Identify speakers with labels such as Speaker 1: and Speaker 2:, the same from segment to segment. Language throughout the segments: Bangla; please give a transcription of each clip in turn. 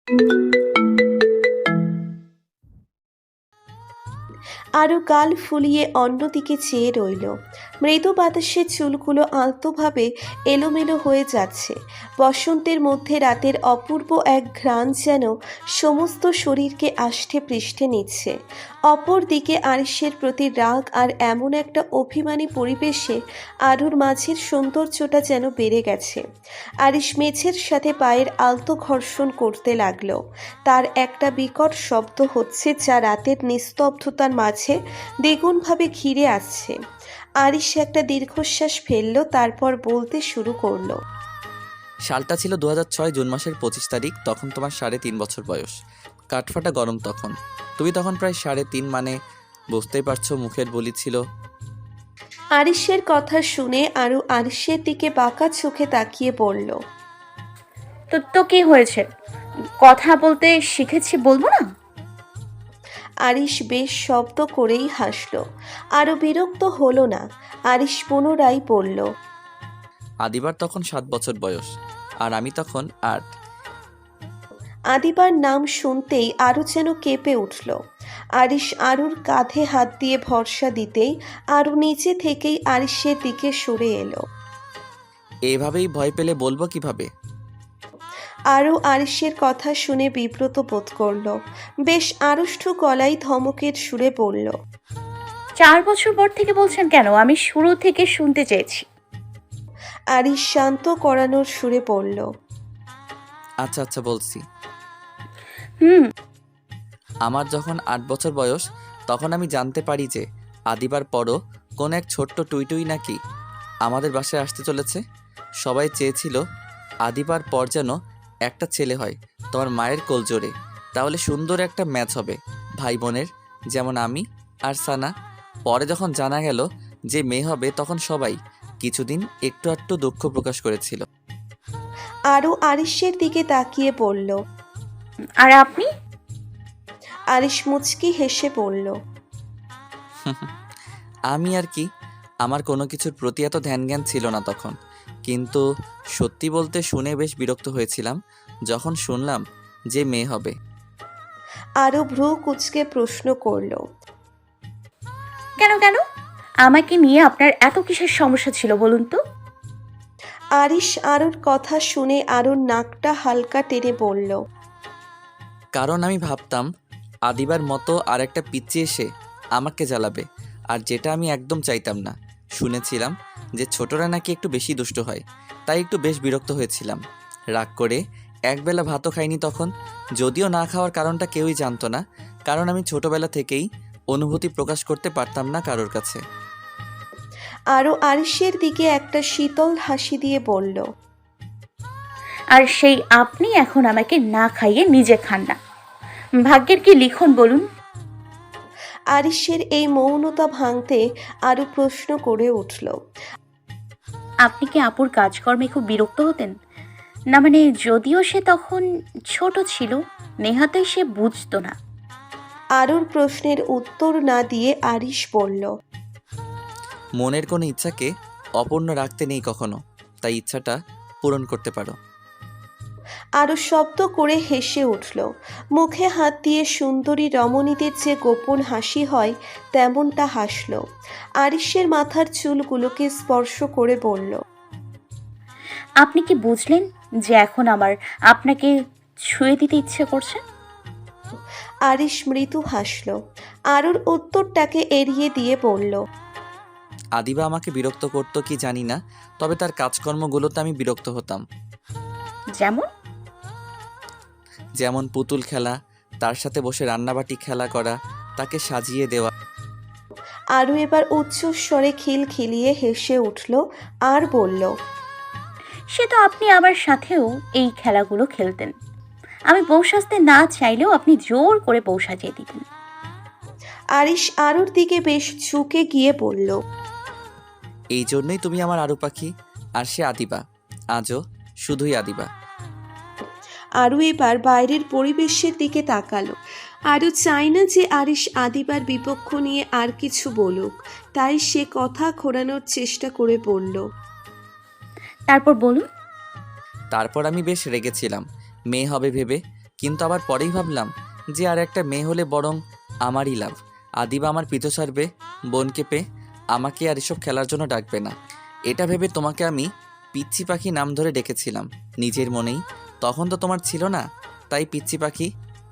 Speaker 1: আরও গাল ফুলিয়ে অন্যদিকে চেয়ে রইল। মৃদু বাতাসে চুলগুলো আলতোভাবে এলোমেলো হয়ে যাচ্ছে। বসন্তের মধ্যে রাতের অপূর্ব এক ঘ্রাণ যেন সমস্ত শরীরকে আষ্ঠে পৃষ্ঠে নিচ্ছে। অপরদিকে আরিশের প্রতি রাগ আর এমন একটা অভিমানী পরিবেশে আরুর মাঝের সৌন্দর্যটা যেন বেড়ে গেছে। আরিশ মেঝের সাথে পায়ের আলতো ঘর্ষণ করতে লাগলো। তার একটা বিকট শব্দ হচ্ছে যা রাতের নিস্তব্ধতার মাঝে দ্বিগুণভাবে ঘিরে আসছে। আরিশ একটা দীর্ঘশ্বাস ফেলল, তারপর বলতে শুরু করলো।
Speaker 2: সালটা ছিল 2006 জুন মাসের 25 তারিখ। তখন তোমার 3.5 বছর বয়স। কাঠফাটা গরম তখন। তুমি তখন প্রায় 3.5, মানে বুঝতেই পারছো, মুখের বুলি ছিল।
Speaker 1: আরিশের কথা শুনে আরু আরিশের দিকে বাঁকা চোখে তাকিয়ে বলল,
Speaker 3: তো তো কি হয়েছে? কথা বলতে শিখেছি বলবো না?
Speaker 1: আরিশ বেশ শব্দ করেই হাসল। আরও বিরক্ত হলো না। আরিশ পুনরায় বলল,
Speaker 2: আদিবার তখন 7 বছর বয়স, আর আমি তখন 8।
Speaker 1: আদিবার নাম শুনতেই আরও যেন কেঁপে উঠল। আরিশ আরুর কাঁধে হাত দিয়ে ভরসা দিতেই আরু নিচে থেকেই আরিশের দিকে সরে এলো।
Speaker 2: এভাবেই ভয় পেলে বলবো কিভাবে?
Speaker 1: আরও আরিশের কথা শুনে বিব্রত বোধ করল। বেশ আড়ষ্ট গলায় ধমকের সুরে বলল,
Speaker 3: 4 বছর পর থেকে বলছেন কেন? আমি শুরু থেকে শুনতে চেয়েছি।
Speaker 1: আরিশ শান্ত করানোর সুরে বলল,
Speaker 2: আচ্ছা আচ্ছা বলছি।
Speaker 3: হুম।
Speaker 2: আমার যখন 8 বছর বয়স, তখন আমি জানতে পারি যে আদিবার পরও কোন এক ছোট্ট টুইটুই নাকি আমাদের বাসায় আসতে চলেছে। সবাই চেয়েছিল আদিবার পর যেন একটা ছেলে হয়, তোমার মায়ের কোলজোরে। তাহলে সুন্দর একটা ম্যাচ হবে ভাই বোনের, যেমন আমি আর সানা। পরে যখন জানা গেল যে মেয়ে হবে, তখন সবাই কিছুদিন একটু একটু দুঃখ প্রকাশ করেছিল।
Speaker 1: আরও আরিশের দিকে তাকিয়ে বলল।
Speaker 3: আর আপনি?
Speaker 1: আরিশ মুচকি হেসে বলল,
Speaker 2: আমি আর কি, আমার কোনো কিছুর প্রতি এত ধ্যান জ্ঞান ছিল না তখন। কিন্তু সত্যি বলতে শুনে বেশ বিরক্ত হয়েছিলাম যখন শুনলাম যে মেয়ে হবে।
Speaker 1: আরও ভ্রু কুচকে প্রশ্ন করল,
Speaker 3: কেন কেন? আমাকে নিয়ে আপনার এত কিসের সমস্যা ছিল বলুন তো?
Speaker 1: আরিশ আরুর কথা শুনে আরুর নাকটা হালকা টেনে বলল,
Speaker 2: কারণ আমি ভাবতাম আদিবার মতো আর একটা পিচ্চি এসে আমাকে জ্বালাবে, আর যেটা আমি একদম চাইতাম না। শুনেছিলাম যে ছোটরা নাকি একটু বেশি দুষ্ট হয়, তাই একটু বেশ বিরক্ত হয়েছিলাম। রাগ করে একবেলা ভাতও খাইনি তখন। যদিও না খাওয়ার কারণটা কেউই জানতো না, কারণ আমি ছোটবেলা থেকেই অনুভূতি প্রকাশ করতে পারতাম না কারোর কাছে।
Speaker 1: আরও আরিশের দিকে একটা শীতল হাসি দিয়ে বলল,
Speaker 3: আর সেই আপনি এখন আমাকে না খাইয়ে নিজে খান না। ভাগ্যের কি লিখন বলুন?
Speaker 1: আরিশের এই মৌনতা ভাঙতে আরও প্রশ্ন করে উঠল,
Speaker 3: আপনি কি আপুর কাজকর্মে খুব বিরক্ত হতেন? না মানে, যদিও সে তখন ছোট ছিল, নেহাতেই সে বুঝতো না।
Speaker 1: আরুর প্রশ্নের উত্তর না দিয়ে আরিশ বলল,
Speaker 2: মনের কোনো ইচ্ছাকে অপূর্ণ রাখতে নেই কখনো, তাই ইচ্ছাটা পূরণ করতে পারো।
Speaker 1: আরও শব্দ করে হেসে উঠল। মুখে হাত দিয়ে সুন্দরী রমণীদের যে গোপন হাসি হয় তেমনটা হাসল। আরিশের মাথার চুলগুলোকে স্পর্শ করে বলল,
Speaker 3: আপনি কি বুঝলেন যে এখন আমার আপনাকে ছুঁয়ে দিতে ইচ্ছে করছে?
Speaker 1: আরিশ মৃদু হাসল। আরুর উত্তরটাকে এড়িয়ে দিয়ে বলল,
Speaker 2: আদিবা আমাকে বিরক্ত করতো কি জানি না, তবে তার কাজকর্মগুলোতে আমি বিরক্ত হতাম।
Speaker 3: যেমন?
Speaker 2: যেমন পুতুল খেলা, তার সাথে বসে রান্নাবাটি খেলা করা, তাকে সাজিয়ে দেওয়া।
Speaker 1: আরু এবার উচ্চস্বরে খিলখিলিয়ে হেসে উঠল আর বলল,
Speaker 3: সে তো আপনি আমার সাথেও এই খেলাগুলো খেলতেন। আমি বউ সাজতে না চাইলেও আপনি জোর করে বউ সাজিয়ে দিতেন।
Speaker 1: আরিশ আরুর দিকে বেশ ঝুঁকে গিয়ে বলল,
Speaker 2: এই জন্যই তুমি আমার আরু পাখি, আর সে আদিবা। আজও শুধুই আদিবা।
Speaker 1: আরু এবার বাইরের পরিবেশের দিকে তাকালো। আরু চায় না যে আরিশ আদিবার বিপক্ষ নিয়ে আর কিছু বলুক, তাই সে কথা ঘোরানোর চেষ্টা করে বলল,
Speaker 3: তারপর বলুন।
Speaker 2: তারপর আমি বেশ রেগেছিলাম মেয়ে হবে ভেবে, কিন্তু আবার পরেই ভাবলাম যে আর একটা মেয়ে হলে বরং আমারই লাভ। আদিবা আমার পিছু ছাড়বে বোনকে পেয়ে, আমাকে আর এসব খেলার জন্য ডাকবে না। এটা ভেবে তোমাকে আমি পিচ্চি পাখি নাম ধরে ডেকেছিলাম নিজের মনেই। তখন তো তোমার ছিল না, তাই পিচ্চি পাখি।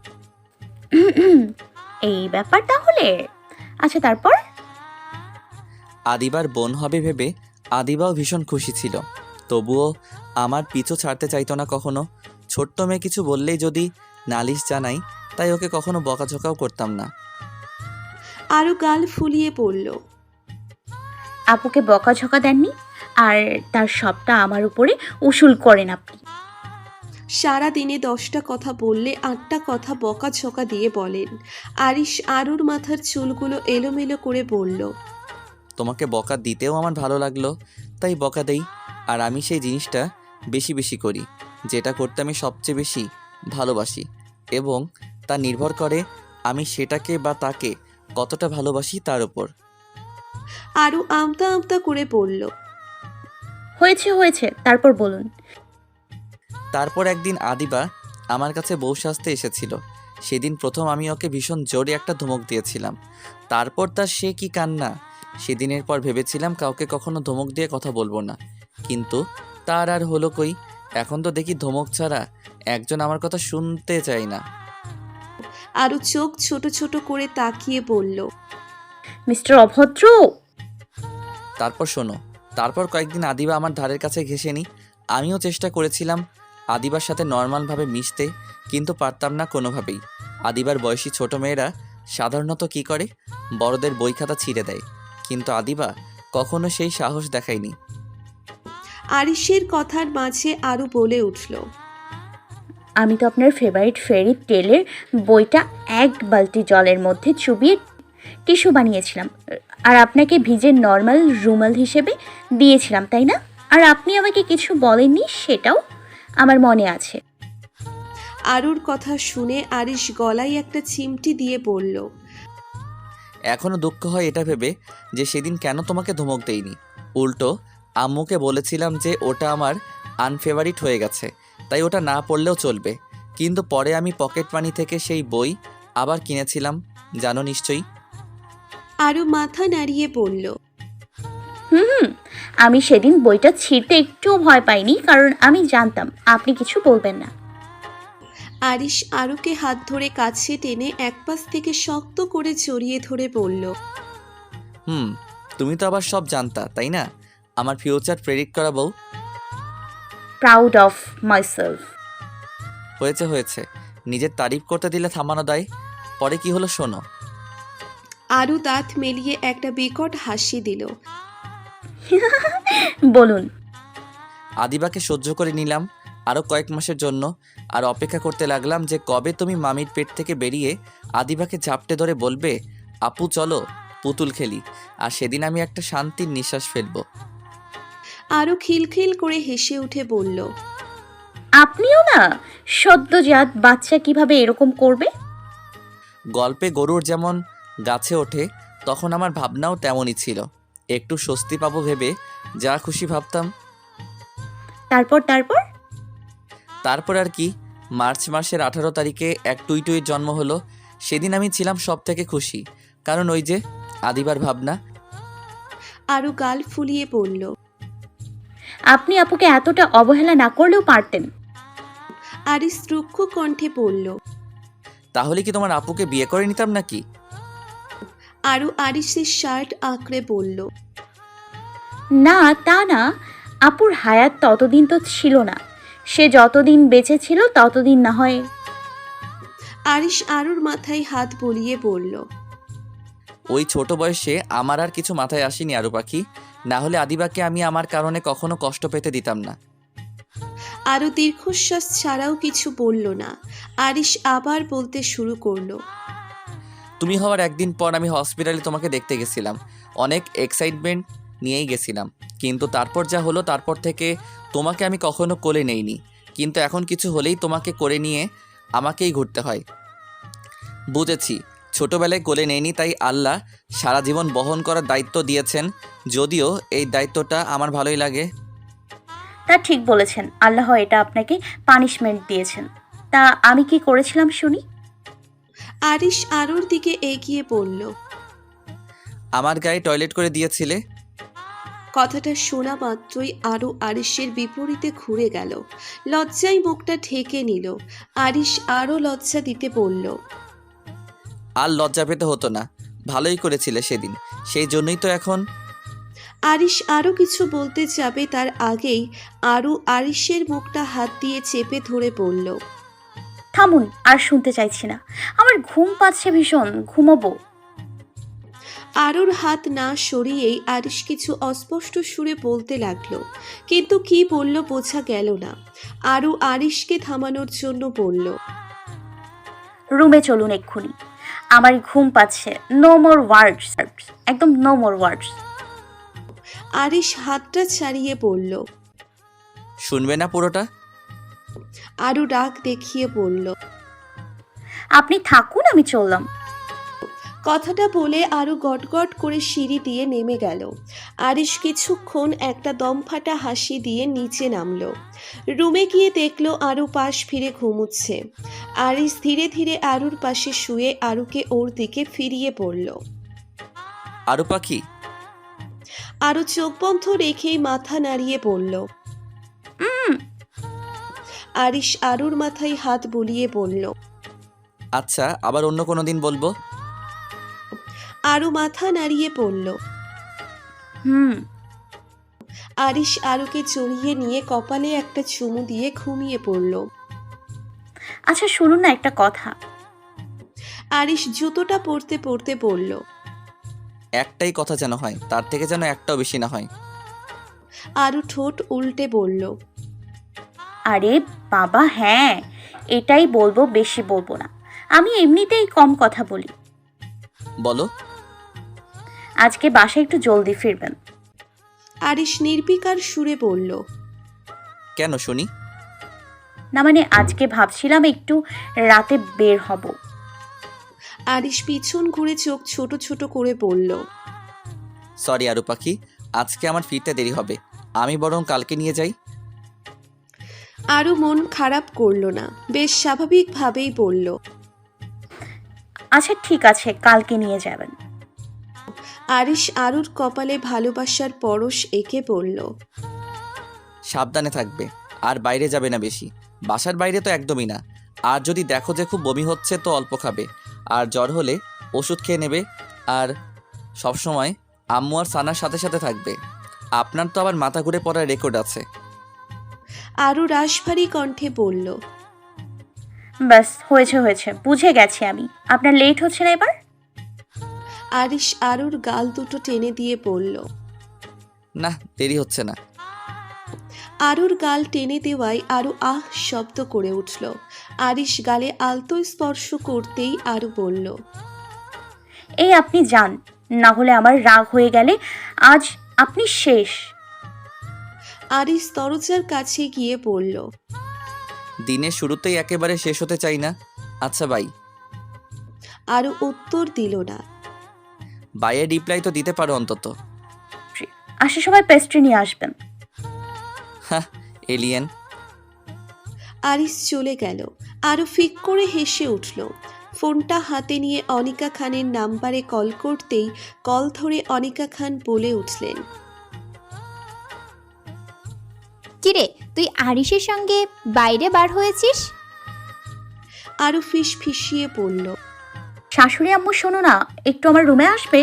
Speaker 3: এই ব্যাপার তাহলে। আচ্ছা, তারপর?
Speaker 2: আদিবার বোন হবে ভেবে আদিবাও ভীষণ খুশি ছিল, তবুও আমার পিছু ছাড়তে চাইতো না কখনো। ছোট্ট মেয়ে কিছু বললেই যদি নালিশ জানাই, তাই ওকে কখনো বকাঝকাও করতাম না।
Speaker 1: আরও গাল ফুলিয়ে পড়ল।
Speaker 3: আপুকে বকাঝকা দেননি, আর তার সবটা আমার উপরে উসুল করেন আপনি।
Speaker 1: সারা দিনে 10টা কথা বললে 8টা কথা বকাঝকা দিয়ে বলেন। আরিশ আরুর মাথার চুলগুলো এলোমেলো করে বলল,
Speaker 2: তোমাকে বকা দিতেও আমার ভালো লাগলো, তাই বকা দেই। আর আমি সেই জিনিসটা বেশি বেশি করি, যেটা করতে আমি সবচেয়ে বেশি ভালোবাসি, এবং তা নির্ভর করে আমি সেটাকে বা তাকে কতটা ভালোবাসি তার উপর।
Speaker 1: আরু আমতা আমতা করে বলল,
Speaker 3: হয়েছে হয়েছে, তারপর বলুন।
Speaker 2: তারপর একদিন আদিবা আমার কাছে বউ সাজতে এসেছিল। সেদিন প্রথম আমি ওকে ভীষণ জোরে একটা ধমক দিয়েছিলাম। তারপর তার সে কি কান্না! সেদিনের পর ভেবেছিলাম কাউকে কখনো ধমক দিয়ে কথা বলবো না, কিন্তু তার আর হলো কই। এখন তো দেখি ধমক ছাড়া একজন আমার কথা শুনতে চায় না।
Speaker 1: আরু চোখ ছোট ছোট করে তাকিয়ে বলল,
Speaker 3: মিস্টার অভদ্র।
Speaker 2: তারপর শোনো, তারপর কয়েকদিন আদিবা আমার ধারের কাছে ঘেঁষেনি। আমিও চেষ্টা করেছিলাম আদিবার সাথে নর্মালভাবে মিশতে, কিন্তু পারতাম না কোনোভাবেই। আদিবার বয়সী ছোট মেয়েরা সাধারণত কি করে, বড়দের বই খাতা ছিঁড়ে দেয়, কিন্তু আদিবা কখনো সেই সাহস দেখায়নি।
Speaker 1: আরিশের কথার মাঝে আরু বলে উঠল,
Speaker 3: আমি তো আপনার ফেভারিট ফেরি টেলের বইটা এক বালতি জলের মধ্যে চুবিয়ে টিস্যু বানিয়েছিলাম, আর আপনাকে ভিজে নর্মাল রুমাল হিসেবে দিয়েছিলাম, তাই না? আর আপনি আমাকে কিছু বলেননি, সেটাও আমার মনে আছে।
Speaker 1: আরুর কথা শুনে আরিশ গলায় একটা চিমটি দিয়ে বলল,
Speaker 2: এখনও দুঃখ হয় এটা ভেবে যে সেদিন কেন তোমাকে ধমক দেইনি। উল্টো আম্মুকে বলেছিলাম যে ওটা আমার আনফেভারিট হয়ে গেছে, তাই ওটা না পড়লেও চলবে। কিন্তু পরে আমি পকেট মানি থেকে সেই বই আবার কিনেছিলাম, জানো নিশ্চয়ই।
Speaker 1: আরু মাথা নাড়িয়ে বলল,
Speaker 3: হুম, আমি সেদিন বইটা ছিঁড়তে একটুও ভয় পাইনি, কারণ আমি জানতাম আপনি কিছু বলবেন না।
Speaker 1: আরিশ আরুকে হাত ধরে কাছে টেনে একপাশ থেকে শক্ত করে জড়িয়ে ধরে বলল,
Speaker 2: তুমি তো আবার সব জানতা, তাই না? আমার ফিউচার প্রেডিক্ট করা বউ।
Speaker 3: Proud of myself.
Speaker 2: হয়েছে হয়েছে, নিজের তারিফ করতে দিলে থামানো দায়। পরে কি হলো শোনো।
Speaker 1: আরু দাঁত মেলিয়ে একটা বিকট হাসি দিল।
Speaker 3: বলুন।
Speaker 2: আদিবাকে সহ্য করে নিলাম আরও কয়েক মাসের জন্য, আর অপেক্ষা করতে লাগলাম যে কবে তুমি মামির পেট থেকে বেরিয়ে আদিবাকে ঝাপটে ধরে বলবে, আপু চলো পুতুল খেলি, আর সেদিন আমি একটা শান্তির নিঃশ্বাস ফেলবো।
Speaker 1: আরু খিলখিল করে হেসে উঠে বলল,
Speaker 3: আপনিও না, সদ্যজাত বাচ্চা কিভাবে এরকম করবে?
Speaker 2: গল্পে গরুর যেমন গাছে ওঠে, তখন আমার ভাবনাও তেমনই ছিল। একটু স্বস্তি পাবো ভেবে যা খুশি ভাবতাম।
Speaker 3: তারপর তারপর
Speaker 2: তারপর আর কি, মার্চ মাসের 18 তারিখে এক টুইটুইর জন্ম হলো। সেদিন আমি ছিলাম সব থেকে খুশি, কারণ ওই যে আদিবার ভাবনা।
Speaker 1: আরু গাল ফুলিয়ে বলল,
Speaker 3: আপনি আপুকে এতটা অবহেলা না করলেও পারতেন।
Speaker 1: আরিশ রুক্ষ কণ্ঠে বলল।
Speaker 2: তাহলে কি তোমার আপুকে বিয়ে করে নিতাম নাকি?
Speaker 1: আরু আরিশের শার্ট আঁকড়ে বলল,
Speaker 3: না, তা না, আপুর হায়াত ততদিন তো ছিল না, সে যতদিন বেঁচে ছিল ততদিন না হয়।
Speaker 1: আরিশ আরুর মাথায় হাত বুলিয়ে বলল,
Speaker 2: ওই ছোট বয়সে আমার আর কিছু মাথায় আসেনি আরু পাখি, না হলে আদিবাকে আমি আমার কারণে কখনো কষ্ট পেতে দিতাম না।
Speaker 1: আরু দীর্ঘশ্বাস ছাড়াও কিছু বলল না। আরিশ আবার বলতে শুরু করলো,
Speaker 2: তুমি হওয়ার একদিন পর আমি হসপিটালে তোমাকে দেখতে গেছিলাম, অনেক এক্সাইটমেন্ট নিয়েই গেছিলাম, কিন্তু তারপর যা হলো তারপর থেকে তোমাকে আমি কখনো কোলে নেইনি। কিন্তু এখন কিছু হলেই তোমাকে করে নিয়ে আমাকেই ঘুরতে হয়। বুঝেছি, ছোটবেলায় কোলে নেইনি তাই আল্লাহ সারা জীবন বহন করার দায়িত্ব দিয়েছেন, যদিও এই দায়িত্বটা আমার ভালোই লাগে।
Speaker 3: তা ঠিক বলেছেন, আল্লাহ এটা আপনাকে পানিশমেন্ট দিয়েছেন। তা আমি কি করেছিলাম শুনি?
Speaker 1: আরিশ আরুর দিকে এগিয়ে পড়ল।
Speaker 2: আমার গায়ে টয়লেট করে দিয়েছিলে।
Speaker 1: কথাটা শোনা মাত্রই আরও আরিশের বিপরীতে ঘুরে গেল। লজ্জায় মুখটা ঢেকে নিল। আরিশ আরও লজ্জা দিতে বলল।
Speaker 2: আর লজ্জা পেতে হতো না, ভালোই করেছিলে সেদিন, সেই জন্যই তো এখন।
Speaker 1: আরিশ আরও কিছু বলতে যাবে তার আগেই আরও আরিশের মুখটা হাত দিয়ে চেপে ধরে বলল।
Speaker 3: থামুন, আর শুনতে চাইছি না। আমার ঘুম পাচ্ছে ভীষণ, ঘুমাবো।
Speaker 1: আরুর হাত না সরিয়েই আরিশ কিছু অস্পষ্ট সুরে বলতে লাগলো, কিন্তু কি বলল বোঝা গেল না। আরু আরিশকে থামানোর জন্য বলল।
Speaker 3: রুমে চলুন এক্ষুনি, আমার ঘুম পাচ্ছে। নো মোর ওয়ার্ডস, একদম নো মোর ওয়ার্ডস।
Speaker 1: আরিশ হাতটা ছাড়িয়ে বলল।
Speaker 2: শুনবে না পুরোটা?
Speaker 1: আরু রাগ দেখিয়ে বলল।
Speaker 3: আপনি থাকুন, আমি চললাম।
Speaker 1: কথাটা বলে আরু গটগট করে সিঁড়ি দিয়ে নেমে গেল। আরিশ কিছুক্ষণ একটা দমফাটা হাসি দিয়ে নিচে নামলো। রুমে গিয়ে দেখলো আরু পাশ ফিরে ঘুমুচ্ছে। আরিশ ধীরে ধীরে আরুর পাশে শুয়ে আরুকে ওর দিকে ফিরিয়ে পড়ল।
Speaker 2: আরু পাখি।
Speaker 1: আরু চোখ বন্ধ রেখেই মাথা নাড়িয়ে বলল। আরিশ আরুর মাথায় হাত বুলিয়ে বলল।
Speaker 2: আচ্ছা, আবার অন্য কোনো দিন বলবো।
Speaker 1: আরু মাথা নাড়িয়ে পড়ল।
Speaker 3: হুম।
Speaker 1: আরিশ আরুকে জড়িয়ে নিয়ে কপালে একটা চুমু দিয়ে ঘুমিয়ে পড়ল।
Speaker 3: আচ্ছা শুনুন না একটা কথা।
Speaker 1: আরিশ জুতোটা পরতে পরতে বলল।
Speaker 2: একটাই কথা যেন হয়, তার থেকে যেন একটাও বেশি না হয়।
Speaker 1: আরু ঠোঁট উল্টে বলল।
Speaker 3: আরে বাবা হ্যাঁ, এটাই বলবো, বেশি বলবো না। আমি এমনিতেই কম কথা বলি।
Speaker 2: বলো।
Speaker 3: আজকে বাসায় একটু জলদি ফিরবেন।
Speaker 1: আরিশ নির্বিকার সুরে বলল।
Speaker 2: কেন শুনি?
Speaker 3: না মানে আজকে ভাবছিলাম একটু রাতে বের হব।
Speaker 1: আরিশ পিছন ঘুরে চোখ ছোট ছোট করে বলল।
Speaker 2: সরি আরু পাখি, আজকে আমার ফিরতে দেরি হবে, আমি বরং কালকে নিয়ে যাই।
Speaker 1: আরু মন খারাপ করলো না, বেশ স্বাভাবিকভাবেই বলল।
Speaker 3: আচ্ছা ঠিক আছে, কালকে নিয়ে যাবেন।
Speaker 1: আরিশ আরুর কপালে ভালোবাসার পরশ এঁকে বলল।
Speaker 2: সাবধানে থাকবে, আর বাইরে যাবে না বেশি। বাসার বাইরে তো একদমই না। আর যদি দেখো যে খুব বমি হচ্ছে তো অল্প খাবে, আর জ্বর হলে ওষুধ খেয়ে নেবে। আর সবসময় আম্মু আর সানার সাথে সাথে থাকবে। আপনার তো আবার মাথা ঘুরে পড়ার রেকর্ড আছে।
Speaker 1: আরু রাশভারী কণ্ঠে বলল।
Speaker 3: ব্যাস হয়েছে হয়েছে, বুঝে গেছি আমি। আপনার লেট হচ্ছে না এবার?
Speaker 1: আরিশ আরুর গাল দুটো টেনে দিয়ে বলল।
Speaker 2: না, দেরি হচ্ছে না।
Speaker 1: আরুর গাল টেনে দেওয়ায় আরু আহ শব্দ করে উঠল। আরিশ গালে আলতো স্পর্শ করতেই আরু বলল।
Speaker 3: এই আপনি যান, না হলে আমার রাগ হয়ে গেলে আজ আপনি শেষ।
Speaker 1: আরিশ দরজার কাছে গিয়ে বলল।
Speaker 2: দিনের শুরুতেই একেবারে শেষ হতে চাই না। আচ্ছা বাই।
Speaker 1: আরু উত্তর দিল না।
Speaker 2: বাইয়ের রিপ্লাই তো দিতে পারো অন্তত।
Speaker 3: আসার সময় পেস্ট্রি নিয়ে আসবেন।
Speaker 2: হ্যাঁ, এলিয়েন।
Speaker 1: আরিশ চলে গেল। আরু ফিক করে হেসে উঠল। ফোনটা হাতে নিয়ে অনিকা খানের নাম্বারে কল করতেই কল ধরে অনিকা খান বলে উঠলেন।
Speaker 4: কিরে, তুই আরিশের সঙ্গে বাইরে বার হয়েছিস?
Speaker 1: আরু ফিস ফিসিয়ে বলল।
Speaker 3: শাশুড়ি আম্মু শোনো না, একটু আমার রুমে আসবে?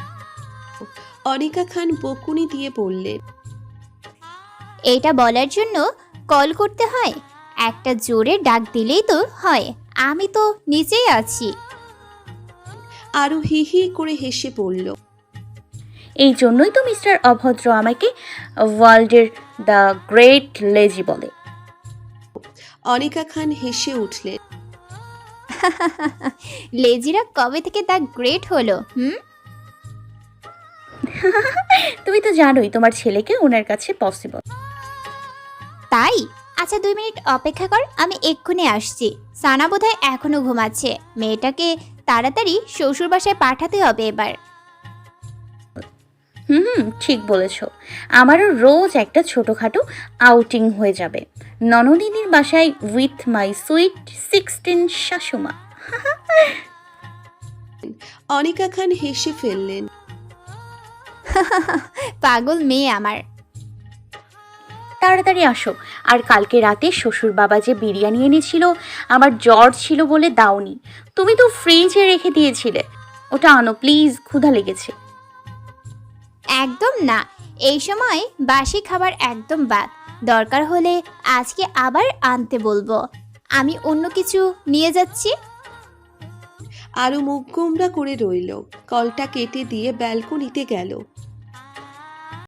Speaker 1: অনিকা খান বকুনি দিয়ে বললেন।
Speaker 4: এইটা বলার জন্য কল করতে হয়? একটা জোরে ডাক দিলেই তো হয়। আমি তো নিচেই আছি।
Speaker 1: আরু হি হি করে হেসে বলল।
Speaker 3: এই জন্যই তো মিস্টার অভদ্র আমাকে ওয়ার্ল্ডের দ্য গ্রেট লেজি বলে।
Speaker 1: অনিকা খান হেসে উঠলেন।
Speaker 4: লেজিরা কবে থেকে তা গ্রেট হলো?
Speaker 3: তুমি তো জানোই তোমার ছেলেকে ওনার কাছে পসিবল।
Speaker 4: তাই? আচ্ছা 2 মিনিট অপেক্ষা কর, আমি এক্ষুনি আসছি। সানা বোধহয় এখনো ঘুমাচ্ছে। মেয়েটাকে তাড়াতাড়ি শ্বশুর বাসায় পাঠাতে হবে এবার।
Speaker 3: ঠিক বলেছ। আমারও রোজ একটা ছোটোখাটো আউটিং হয়ে যাবে ননদিনীর বাসায় উইথ মাই সুইট 16 শাশুমা।
Speaker 1: অনিকা খান হেসে ফেললেন।
Speaker 4: পাগল মেয়ে আমার।
Speaker 3: তাড়াতাড়ি আসো। আর কালকে রাতে শ্বশুর বাবা যে বিরিয়ানি এনেছিল, আমার জ্বর ছিল বলে দাওনি। তুমি তো ফ্রিজে রেখে দিয়েছিলে। ওটা আনো প্লিজ, ক্ষুধা লেগেছে।
Speaker 4: একদম না, এই সময় বাসি খাবার একদম বাদ। দরকার হলে আজকে আবার আনতে বলবো। আমি অন্য কিছু নিয়ে যাচ্ছি।
Speaker 1: আরও মুখ গোমড়া করে রইল। কলটা কেটে দিয়ে ব্যালকনিতে গেল।